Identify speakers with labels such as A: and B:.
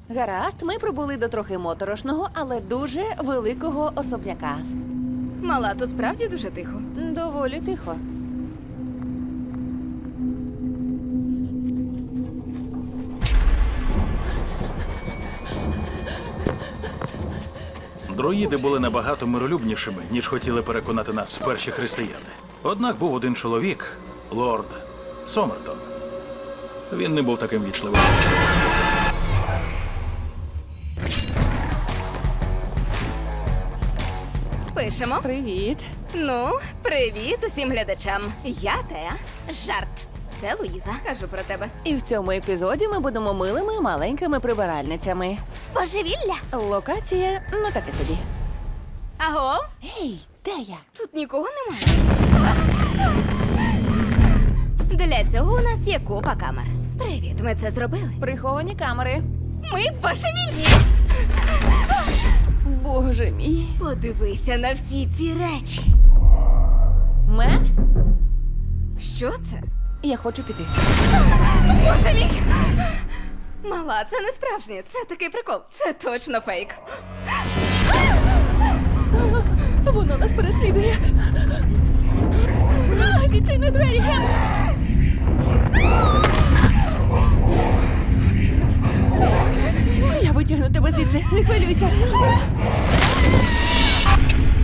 A: Гаразд, ми прибули до трохи моторошного, але дуже великого особняка.
B: Мала, то справді дуже тихо.
A: Доволі тихо.
C: Друїди були набагато миролюбнішими, ніж хотіли переконати нас перші християни. Однак був один чоловік, лорд Сомертон. Він не був таким вічливим.
B: Пишемо.
A: Привіт.
B: Ну, привіт усім глядачам. Я Теа. Жарт. Це Луїза. Кажу про тебе.
A: І в цьому епізоді ми будемо милими маленькими прибиральницями.
B: Божевілля.
A: Локація, ну таке собі.
B: Аго?
A: Ей, де я?
B: Тут нікого немає. Для цього у нас є купа камер. Привіт, ми це зробили.
A: Приховані камери.
B: Ми божевільні.
A: Боже мій.
B: Подивися на всі ці речі.
A: Мет?
B: Що це?
A: Я хочу піти.
B: Боже мій! Мала, це не справжнє. Це такий прикол. Це точно фейк.
A: Воно нас переслідує. Відчини двері. Я витягну тебе звідси, не хвилюйся.